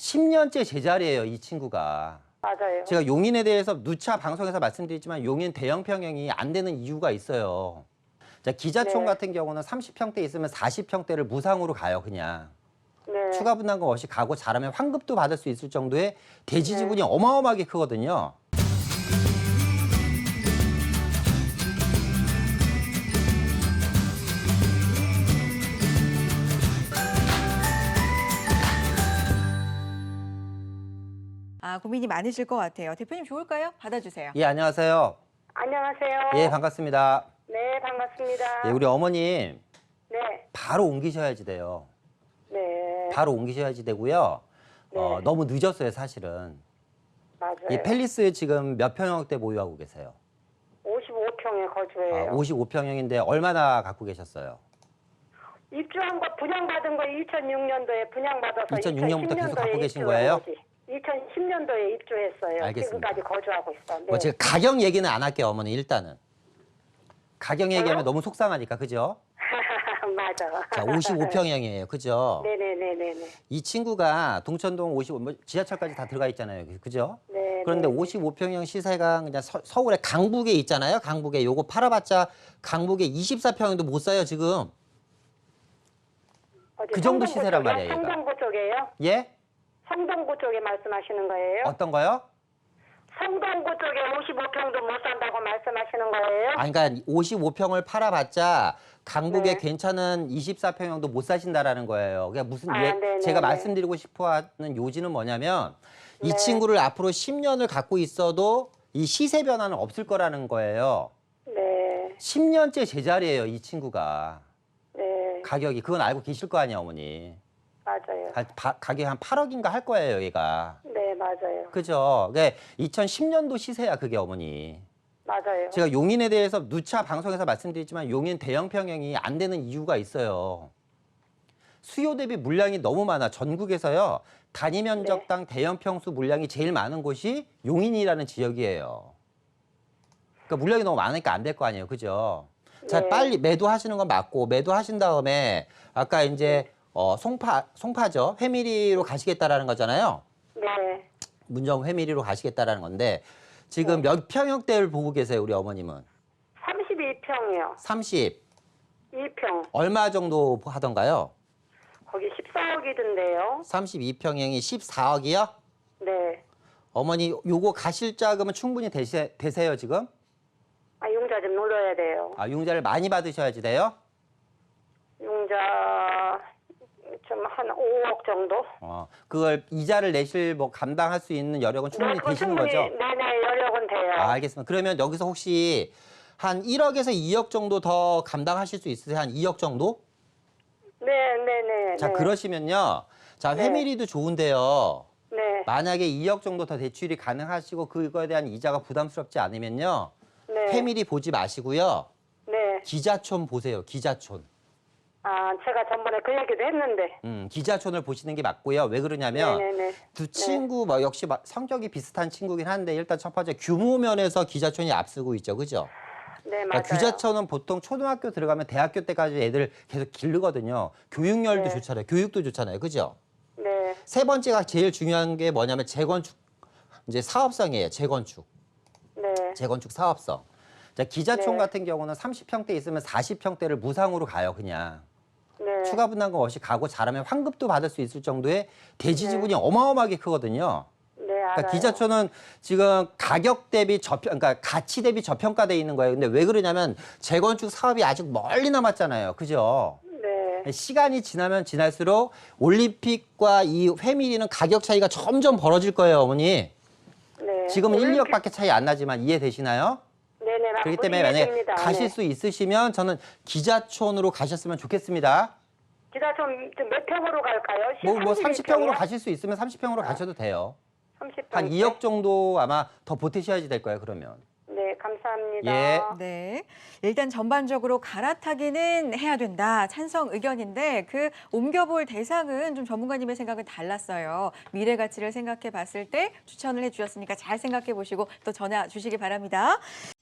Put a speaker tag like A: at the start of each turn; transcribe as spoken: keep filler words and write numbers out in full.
A: 십 년째 제자리예요, 이 친구가.
B: 맞아요.
A: 제가 용인에 대해서 누차 방송에서 말씀드리지만 용인 대형 평형이 안 되는 이유가 있어요. 자, 기자촌
B: 네.
A: 같은 경우는 삼십 평대 있으면 사십 평대를 무상으로 가요, 그냥.
B: 네.
A: 추가 분담금 없이 가고 잘하면 환급도 받을 수 있을 정도의 대지 지분이
B: 네.
A: 어마어마하게 크거든요.
C: 아, 고민이 많으실 것 같아요. 대표님 좋을까요? 받아주세요.
A: 예, 안녕하세요.
B: 안녕하세요.
A: 예, 반갑습니다.
B: 네, 반갑습니다.
A: 예, 우리 어머님
B: 네.
A: 바로 옮기셔야지 돼요.
B: 네.
A: 바로 옮기셔야지 되고요. 어,
B: 네.
A: 너무 늦었어요, 사실은.
B: 맞아요.
A: 이 팰리스 지금 몇 평형대 보유하고 계세요?
B: 오십오 평에 거주해요.
A: 아, 오십오 평형인데 얼마나 갖고 계셨어요?
B: 입주한 거 분양받은 거 이천육 년도에 분양받아서
A: 이천육 년부터 계속 갖고 계신
B: 입주한
A: 거예요?
B: 거지. 이천십 년도에 입주했어요.
A: 알겠습니다.
B: 지금까지 거주하고 있어. 네.
A: 뭐 제가 가격 얘기는 안 할게요, 어머니 일단은. 가격 얘기하면
B: 뭐요?
A: 너무 속상하니까, 그죠?
B: 맞아.
A: 자, 오십오 평형이에요, 그죠?
B: 네네네네네.
A: 이 친구가 동천동 오십오, 뭐 지하철까지 다 들어가 있잖아요, 그죠?
B: 네.
A: 그런데
B: 네.
A: 오십오 평형 시세가 그냥 서, 서울의 강북에 있잖아요, 강북에. 요거 팔아봤자 강북에 이십사 평형도 못 사요, 지금.
B: 어디
A: 그 정도
B: 성동구
A: 시세란
B: 쪽이요?
A: 말이에요, 얘가.
B: 성동구 쪽이에요?
A: 예?
B: 성동구 쪽에 말씀하시는 거예요?
A: 어떤 거요?
B: 성동구 쪽에 오십오 평도 못 산다고 말씀하시는 거예요?
A: 아니, 그러니까 오십오 평을 팔아봤자 강북에
B: 네.
A: 괜찮은 이십사 평형도 못 사신다라는 거예요. 그러니까 무슨
B: 아,
A: 예,
B: 네네네.
A: 제가 말씀드리고 싶어하는 요지는 뭐냐면 이
B: 네.
A: 친구를 앞으로 십 년을 갖고 있어도 이 시세 변화는 없을 거라는 거예요.
B: 네.
A: 십 년째 제자리예요, 이 친구가.
B: 네.
A: 가격이. 그건 알고 계실 거 아니에요, 어머니.
B: 맞아요.
A: 가, 바, 가격이 한 팔억인가 할 거예요, 얘가.
B: 네, 맞아요.
A: 그죠? 그게 이천십 년도 시세야, 그게 어머니.
B: 맞아요.
A: 제가 용인에 대해서 누차 방송에서 말씀드리지만 용인 대형 평형이 안 되는 이유가 있어요. 수요 대비 물량이 너무 많아. 전국에서요. 단위 면적당 대형 평수 물량이 제일 많은 곳이 용인이라는 지역이에요. 그러니까 물량이 너무 많으니까 안 될 거 아니에요. 그죠? 자,
B: 네.
A: 빨리 매도하시는 건 맞고 매도하신 다음에 아까 이제 어, 송파, 송파죠. 회미리로 가시겠다라는 거잖아요.
B: 네.
A: 문정 회미리로 가시겠다라는 건데 지금 몇 평형대를 보고 계세요, 우리 어머님은?
B: 삼십이 평이요.
A: 삼십.
B: 이 평.
A: 얼마 정도 하던가요?
B: 거기 십사억이던데요.
A: 삼십이 평형이 십사억이요?
B: 네.
A: 어머니 요거 가실 자금은 충분히 되세, 되세요, 지금?
B: 아, 융자 좀 눌러야 돼요.
A: 아, 융자를 많이 받으셔야지 돼요?
B: 융자 좀 한 오억 정도?
A: 어, 그걸 이자를 내실 뭐 감당할 수 있는 여력은 충분히
B: 그거
A: 되시는
B: 충분히,
A: 거죠?
B: 네네, 여력은 돼요.
A: 아, 알겠습니다. 그러면 여기서 혹시 한 일억에서 이억 정도 더 감당하실 수 있으세요? 한 이억 정도?
B: 네네네.
A: 자,
B: 네.
A: 그러시면요. 자,
B: 네.
A: 회밀이도 좋은데요.
B: 네.
A: 만약에 이억 정도 더 대출이 가능하시고 그거에 대한 이자가 부담스럽지 않으면요.
B: 네.
A: 회밀이 보지 마시고요.
B: 네.
A: 기자촌 보세요. 기자촌.
B: 아, 제가 전번에 그 얘기도 했는데.
A: 음, 기자촌을 보시는 게 맞고요. 왜 그러냐면
B: 네네네.
A: 두 친구 뭐 역시 마- 성격이 비슷한 친구긴 한데 일단 첫 번째 규모 면에서 기자촌이 앞서고 있죠. 그죠?
B: 네, 맞아요.
A: 그러니까 기자촌은 보통 초등학교 들어가면 대학교 때까지 애들 계속 기르거든요. 교육열도
B: 네.
A: 좋잖아요. 교육도 좋잖아요. 그죠?
B: 네.
A: 세 번째가 제일 중요한 게 뭐냐면 재건축 이제 사업성이에요. 재건축.
B: 네.
A: 재건축 사업성. 자, 기자촌
B: 네.
A: 같은 경우는 삼십 평대 있으면 사십 평대를 무상으로 가요, 그냥.
B: 네.
A: 추가 분담금 없이 가고 잘하면 환급도 받을 수 있을 정도의 대지
B: 네.
A: 지분이 어마어마하게 크거든요.
B: 네, 알아요.
A: 그러니까 기자촌은 지금 가격 대비 저평, 그러니까 가치 대비 저평가돼 있는 거예요. 근데 왜 그러냐면 재건축 사업이 아직 멀리 남았잖아요. 그죠?
B: 네.
A: 시간이 지나면 지날수록 올림픽과 이 회밀이는 가격 차이가 점점 벌어질 거예요, 어머니.
B: 네.
A: 지금은 일,
B: 올림픽-
A: 이억밖에 차이 안 나지만 이해되시나요?
B: 네네.
A: 그렇기 때문에 만약에
B: 이해됩니다.
A: 가실
B: 네.
A: 수 있으시면 저는 기자촌으로 가셨으면 좋겠습니다.
B: 기자 좀몇 평으로 갈까요?
A: 뭐, 뭐 삼십 평으로
B: 평이요?
A: 가실 수 있으면 삼십 평으로 가셔도 돼요.
B: 삼십 평.
A: 한 이억 정도 아마 더 보태셔야지 될 거예요, 그러면.
B: 네, 감사합니다.
A: 예.
C: 네. 일단 전반적으로 갈아타기는 해야 된다. 찬성 의견인데 그 옮겨볼 대상은 좀 전문가님의 생각은 달랐어요. 미래 가치를 생각해 봤을 때 추천을 해 주셨으니까 잘 생각해 보시고 또 전화 주시기 바랍니다.